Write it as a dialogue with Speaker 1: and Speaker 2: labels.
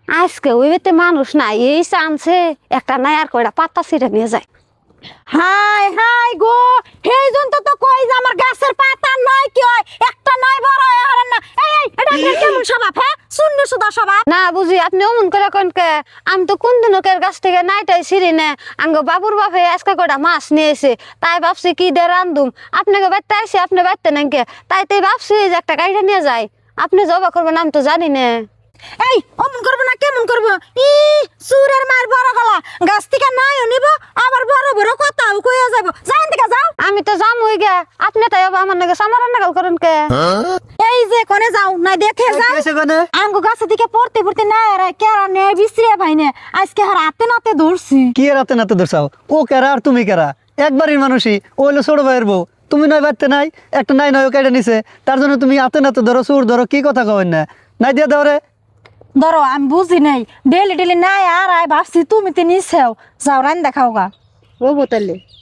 Speaker 1: আজকে ওই বেতে মানুষ নাই, এই চান্সে একটা নাই আর কয়টা পাতা ছিঁড়ে নিয়ে যায়।
Speaker 2: হাই হাই গো, সেই জন্য তো কই যে আমার গাছের পাতা নয় কি হয়, একটা নয় বড় হয় হারান না। এই এটা আপনার কেমন স্বভাব? হ্যাঁ, শূন্য সুদা স্বভাব।
Speaker 1: না বুঝি আপনি অমন করে কনকে, আমি তো কোন দিন ওকে গাছ থেকে নাইটাই ছিঁড়ি নে। আঙ্গ বাবুর বাপে আজকে কয়টা মাছ নিয়েছে, তাই ভাবছি কি দিয়ে রান্ধুম। আপনাকে বাড়তে আইসি, আপনি বাড়তে নাকি, তাই তাই ভাবছি যে একটা গাড়িটা নিয়ে যায়। আপনি জবা করবেন আমি তো জানি না।
Speaker 2: এই অমন করবো না, কেমন করবো? সুরের মায়ের বড় গলা, গাছ থেকে নাইও নিব, আবার বড় বড় কথাও কইয়া যাবো। যাও দিকে যাও।
Speaker 1: আমি তো যামই গে, আপনি তাই আমার নাকি সামার নাগাল করেন কে?
Speaker 2: এই যে কোনে যাও না দেখে যাও। আঙ্গু গাছের দিকে পড়তে পড়তে না আর কেরা নে বিছরিয়া ভাইনে আজকে হার হাতে নাতে ধরছি।
Speaker 3: কি রাতে নাতে দর্শাও? ও কেরা আর তুমি কেরা? একবারই মানুষই, ও হলো ছোট ভাইয়ের বউ। তুমি নয় বাড়তে নাই, একটা নাই নয় কেটে নিছে, তার জন্য তুমি হাতে নাতে ধরো, সুর ধরো, কি কথা কবেন না? নাই দিয়ে ধরে
Speaker 2: ধরো আমি বুঝি নাই, ডেলি ডেলি নাই আর আয় ভাবছি তুমি তো নিছেও। যাও রান দেখাও গা।
Speaker 1: ও বোতলে